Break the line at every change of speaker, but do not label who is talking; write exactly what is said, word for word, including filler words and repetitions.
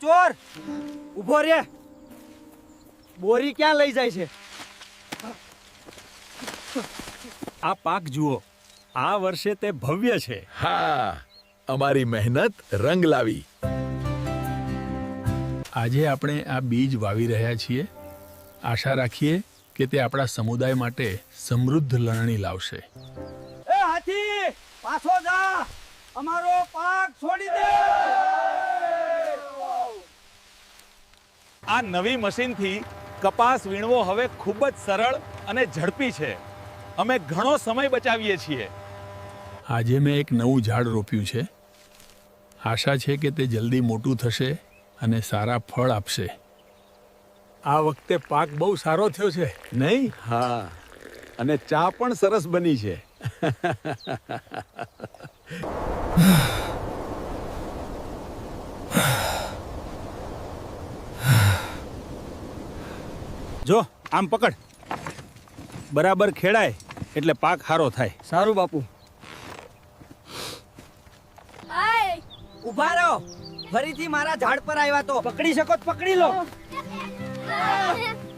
ચોર ઉભો રે, બોરી ક્યાં લઈ જાય છે?
આ પાક જુઓ, આ વર્ષે તે ભવ્ય છે.
હા, અમારી મહેનત રંગ લાવી.
આજે આપણે આ બીજ વાવી રહ્યા છીએ. આશા રાખીએ કે તે આપણા સમુદાય માટે સમૃદ્ધ લણણી લાવશે.
એ હાથી પાછો જા, અમારો પાક છોડી દે.
આ નવી મશીનથી કપાસ વીણવો હવે ખૂબ જ સરળ અને ઝડપી છે. અમે ઘણો સમય બચાવીએ છીએ.
આજે મેં એક નવું ઝાડ રોપ્યું છે. આશા છે કે તે જલ્દી મોટું થશે અને સારા ફળ આપશે. આ વખતે પાક બહુ સારો થયો છે, નહીં?
હા, અને ચા પણ સરસ બની છે.
જો આમ પકડ, બરાબર ખેડાય એટલે પાક સારો થાય.
સારું બાપુ. ઉભા રહો, ફરીથી મારા ઝાડ પર આવ્યા તો પકડી શકો તો પકડી લો.